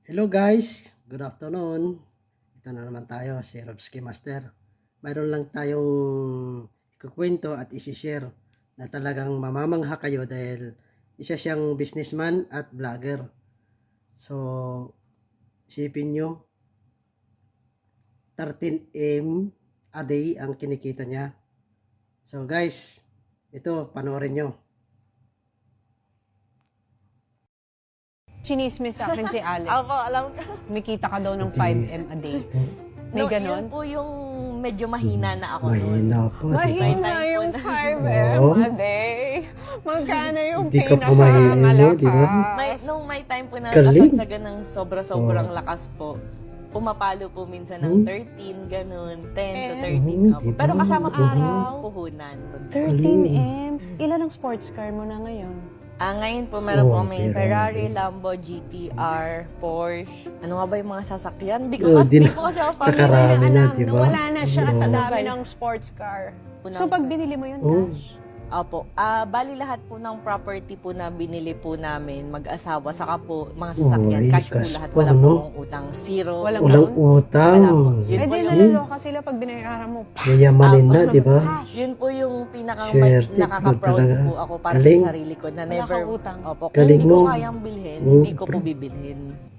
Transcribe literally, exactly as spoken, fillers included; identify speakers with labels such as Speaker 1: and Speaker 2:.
Speaker 1: Hello guys, good afternoon. Ito na naman tayo, si Robski Master. Mayroon lang tayong ikukwento at isi-share na talagang mamamangha kayo dahil isa siyang businessman at vlogger. So, isipin nyo, thirteen M a day ang kinikita niya. So guys, ito, panoorin nyo.
Speaker 2: Chinismis sa akin si Alex.
Speaker 3: Ako, alam ko.
Speaker 2: Kumikita ka daw ng five M a day. May
Speaker 3: No,
Speaker 2: ganon?
Speaker 3: yun po yung medyo mahina na ako noon.
Speaker 1: Mahina po. diba?
Speaker 2: Mahina yung five M
Speaker 1: Oo.
Speaker 2: a day. Magkano yung
Speaker 1: Hindi ka pumahina,
Speaker 2: pinakamalakas?
Speaker 1: di ba?
Speaker 3: May, nung may time po na
Speaker 1: Galing.
Speaker 3: kasagsagan ng sobra-sobrang
Speaker 1: Oh.
Speaker 3: lakas po, pumapalo po minsan
Speaker 1: Hmm.
Speaker 3: ng thirteen, ganun, ten to
Speaker 2: Eh.
Speaker 3: thirteen.
Speaker 1: Oh,
Speaker 3: Opo.
Speaker 1: diba?
Speaker 3: Pero kasama po
Speaker 1: Oo.
Speaker 3: yung puhunan.
Speaker 2: thirteen M? Ilan ang sports car mo na ngayon?
Speaker 3: Ah, ngayon po meron
Speaker 1: Oh,
Speaker 3: po may
Speaker 1: Ferrari.
Speaker 3: Ferrari, Lambo, G T R, Porsche. Ano nga ba yung mga sasakyan? Hindi ko
Speaker 1: Oh,
Speaker 3: kasi,
Speaker 1: di
Speaker 3: di
Speaker 1: na-
Speaker 3: ko kasi ako
Speaker 1: Tsaka
Speaker 3: pamilya.
Speaker 1: Marami na,
Speaker 2: alam,
Speaker 1: diba?
Speaker 2: nawala na siya sa
Speaker 1: Oo.
Speaker 2: dami ng sports car.
Speaker 3: Unang-
Speaker 2: So pag binili mo yun,
Speaker 1: Oh.
Speaker 2: cash?
Speaker 3: Opo. Ah, bali lahat po ng property po na binili po namin, mag-asawa, saka po mga sasakyan,
Speaker 1: Oy,
Speaker 3: cash po
Speaker 1: cash
Speaker 3: lahat,
Speaker 1: po,
Speaker 3: wala
Speaker 1: no?
Speaker 3: po akong utang, zero.
Speaker 2: Walang
Speaker 1: Walang
Speaker 2: down?
Speaker 1: utang.
Speaker 3: Wala po. Yun
Speaker 2: Eh
Speaker 3: po
Speaker 2: di
Speaker 3: yung,
Speaker 2: nalaloka sila pag binayaran mo.
Speaker 1: Yayamanin na,
Speaker 3: Ah,
Speaker 1: di ba?
Speaker 3: yun po yung pinakang
Speaker 1: Swerte po
Speaker 3: nakaka-proud
Speaker 1: talaga.
Speaker 3: po ako para
Speaker 1: Galing.
Speaker 3: sa sarili ko na
Speaker 2: Wala
Speaker 3: never,
Speaker 2: kang utang.
Speaker 3: opo, kung
Speaker 1: Galing
Speaker 3: hindi ko
Speaker 1: mo.
Speaker 3: kayang bilhin,
Speaker 1: Oo.
Speaker 3: hindi ko po bibilhin.